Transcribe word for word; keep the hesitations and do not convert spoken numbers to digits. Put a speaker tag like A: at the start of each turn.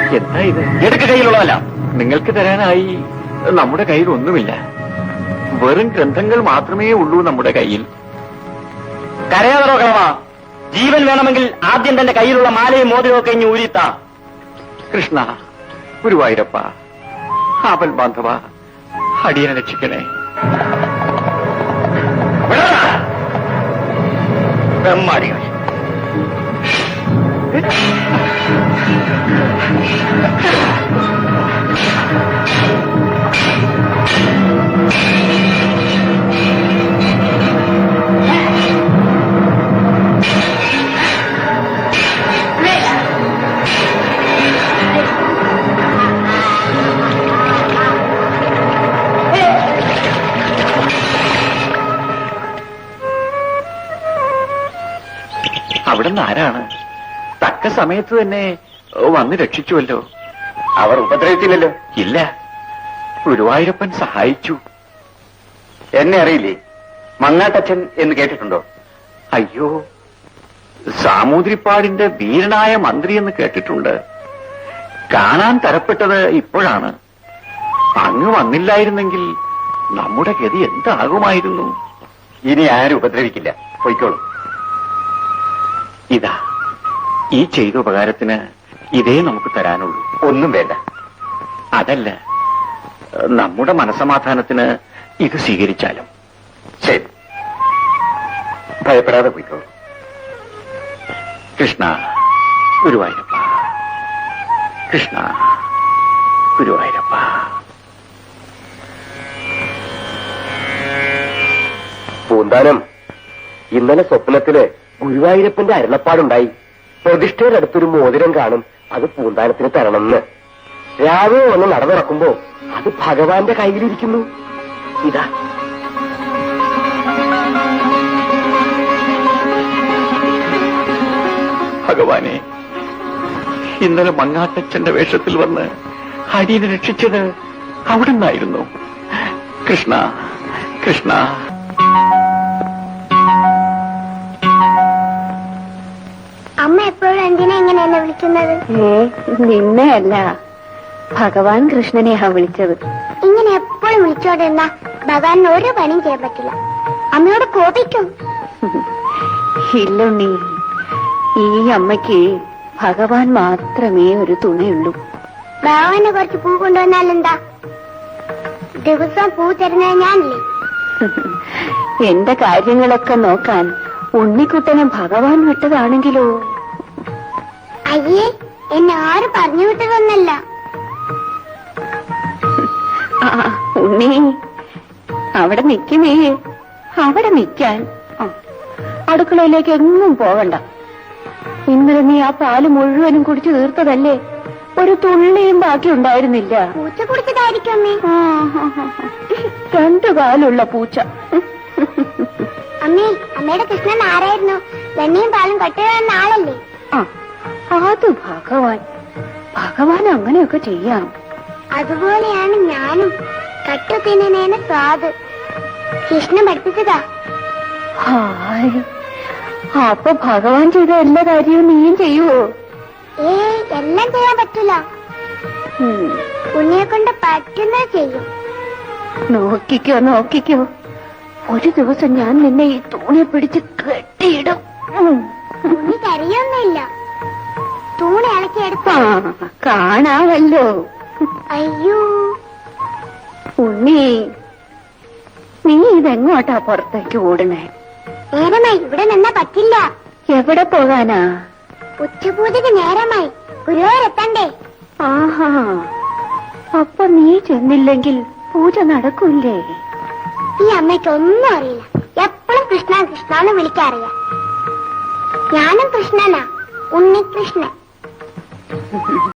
A: എന്താ ഇത്? എടുക്ക കയ്യിലുള്ളതല്ല. നിങ്ങൾക്ക് തരാനായി നമ്മുടെ കയ്യിൽ ഒന്നുമില്ല. വെറും ഗ്രന്ഥങ്ങൾ മാത്രമേ ഉള്ളൂ നമ്മുടെ കയ്യിൽ.
B: കരയാതറോ കളവാ. ജീവൻ വേണമെങ്കിൽ ആദ്യം തന്റെ കയ്യിലുള്ള മാലയും മോതിരവും ഒക്കെ ഇനി ഊരിത്താ.
A: കൃഷ്ണ, ഗുരുവായൂരപ്പ, ആപൽ ബാന്ധവ, അടിയനെ രക്ഷിക്കണേ.
B: ബ്രഹ്മാടികൾ.
A: അവിടുന്ന് ആരാണ്? തക്ക സമയത്ത് തന്നെ വന്ന് രക്ഷിച്ചുവല്ലോ.
B: അവർ ഉപദ്രവിച്ചില്ലല്ലോ.
A: ഇല്ല, ഗുരുവായൂരപ്പൻ സഹായിച്ചു.
B: എന്നെ അറിയില്ലേ? മങ്ങാട്ടച്ഛൻ എന്ന് കേട്ടിട്ടുണ്ടോ?
A: അയ്യോ, സാമൂതിരിപ്പാടിന്റെ വീരനായ മന്ത്രി എന്ന് കേട്ടിട്ടുണ്ട്. കാണാൻ തരപ്പെട്ടത് ഇപ്പോഴാണ്. അങ്ങ് വന്നില്ലായിരുന്നെങ്കിൽ നമ്മുടെ ഗതി എന്താകുമായിരുന്നു?
B: ഇനി ആരും ഉപദ്രവിക്കില്ല. പൊയ്ക്കോളൂ.
A: ഇതാ, ഈ ചെയ്ത ഉപകാരത്തിന് ഇതേ നമുക്ക് തരാനുള്ളൂ.
B: ഒന്നും വേണ്ട.
A: അതല്ല, നമ്മുടെ മനസമാധാനത്തിന് ഇത് സ്വീകരിച്ചാലും.
B: ശരി, ഭയപ്പെടാതെ പോയിക്കോളൂ.
A: കൃഷ്ണ, ഗുരുവായൂരപ്പ, കൃഷ്ണ, ഗുരുവായൂരപ്പ.
B: പൂന്താനം, ഇന്നലെ സ്വപ്നത്തില് ഗുരുവായൂരപ്പന്റെ അരുളപ്പാടുണ്ടായി. പ്രതിഷ്ഠയുടെ അടുത്തൊരു മോതിരം കാണും, അത് പൂന്താനത്തിന് തരണമെന്ന്. രാവിലെ വന്ന് നടന്നിറക്കുമ്പോ അത് ഭഗവാന്റെ കയ്യിലിരിക്കുന്നു. ഇതാ.
A: ഭഗവാനെ, ഇന്നലെ മങ്ങാട്ടച്ഛന്റെ വേഷത്തിൽ വന്ന് അടിയനെ രക്ഷിച്ചത് അവിടുന്നായിരുന്നു. കൃഷ്ണ, കൃഷ്ണ.
C: അമ്മ എപ്പോഴും എന്തിനാ ഇങ്ങനെ എന്നെ വിളിക്കുന്നത്?
D: നിന്നെ അല്ല, ഭഗവാൻ കൃഷ്ണനെയാ വിളിച്ചത്.
C: ഇങ്ങനെ എപ്പോഴും വിളിച്ചോണ്ടിരുന്ന ഭഗവാൻ ഒരു പണിയും ചെയ്യാൻ പറ്റില്ല. അമ്മയോട് കോപിക്കും.
D: ഇല്ലുണ്ണി, ഈ അമ്മയ്ക്ക് ഭഗവാൻ മാത്രമേ ഒരു തുണയുള്ളൂ.
C: ഭഗവാന് കുറച്ച് പൂ കൊണ്ടുവന്നാലെന്താ? ദിവസം പൂ തരുന്നത് ഞാനില്ലേ?
D: എന്റെ കാര്യങ്ങളൊക്കെ നോക്കാൻ ഉണ്ണിക്കുട്ടനെ ഭഗവാൻ വിട്ടതാണെങ്കിലോ?
C: അയ്യേ, എന്നെ ആരും പറഞ്ഞു വിട്ടതൊന്നല്ല.
D: ആ ഉണ്ണി, അവിടെ നിൽക്കുന്നേ, അവിടെ നിൽക്കാൻ. അടുക്കളയിലേക്ക് എങ്ങും പോകണ്ട. ഇന്നലെ നീ ആ പാല് മുഴുവനും കുടിച്ചു തീർത്തതല്ലേ? ഒരു തുള്ളിയും ബാക്കി ഉണ്ടായിരുന്നില്ല.
C: പൂച്ച കുടിച്ചതായിരിക്കും അമ്മേ.
D: രണ്ടു കാലുള്ള പൂച്ച.
C: അമ്മേ, അമ്മയുടെ കൃഷ്ണൻ ആരായിരുന്നു? വെണ്ണയും പാലും കട്ടുകയെന്ന ആളല്ലേ?
D: ആ, അത് ഭഗവാൻ. ഭഗവാൻ അങ്ങനെയൊക്കെ ചെയ്യാം.
C: അതുപോലെയാണ് ഞാനും. കട്ടു തിന്നേന സ്വാദ് കൃഷ്ണൻ പഠിപ്പിച്ചതാ.
D: ഹായ്, അപ്പൊ ഭഗവാൻ ചെയ്ത എല്ലാ കാര്യവും നീയും ചെയ്യുവോ?
C: ഏ എല്ലാം ചെയ്യാൻ പറ്റില്ല. ഉണ്ണിയെ കൊണ്ട് പറ്റുന്നത് ചെയ്യും.
D: നോക്കിക്കോ നോക്കിക്കോ, ഒരു ദിവസം ഞാൻ നിന്നെ ഈ തൂണി പിടിച്ച് കെട്ടിയിടും.
C: ഉണ്ണി കരയൊന്നുമില്ല. തൂണി ഇളക്കിയെടുത്ത
D: കാണാമല്ലോ.
C: അയ്യോ
D: ഉണ്ണി, നീ ഇതെങ്ങോട്ടാ പുറത്തേക്ക് ഓടണേ?
C: നേരമായി, ഇവിടെ നിന്നാ പറ്റില്ല.
D: എവിടെ പോകാനാ?
C: ഉച്ചപൂജക്ക് നേരമായി, ഗുരുവായൂരെത്തണ്ടേ?
D: ആഹാ, അപ്പൊ നീ ചെന്നില്ലെങ്കിൽ പൂജ നടക്കൂല്ലേ?
C: ഈ അമ്മയ്ക്ക് ഒന്നും അറിയില്ല. എപ്പോഴും കൃഷ്ണ കൃഷ്ണന്ന് വിളിക്കാറിയാം. ഞാനും കൃഷ്ണനാ, ഉണ്ണികൃഷ്ണൻ.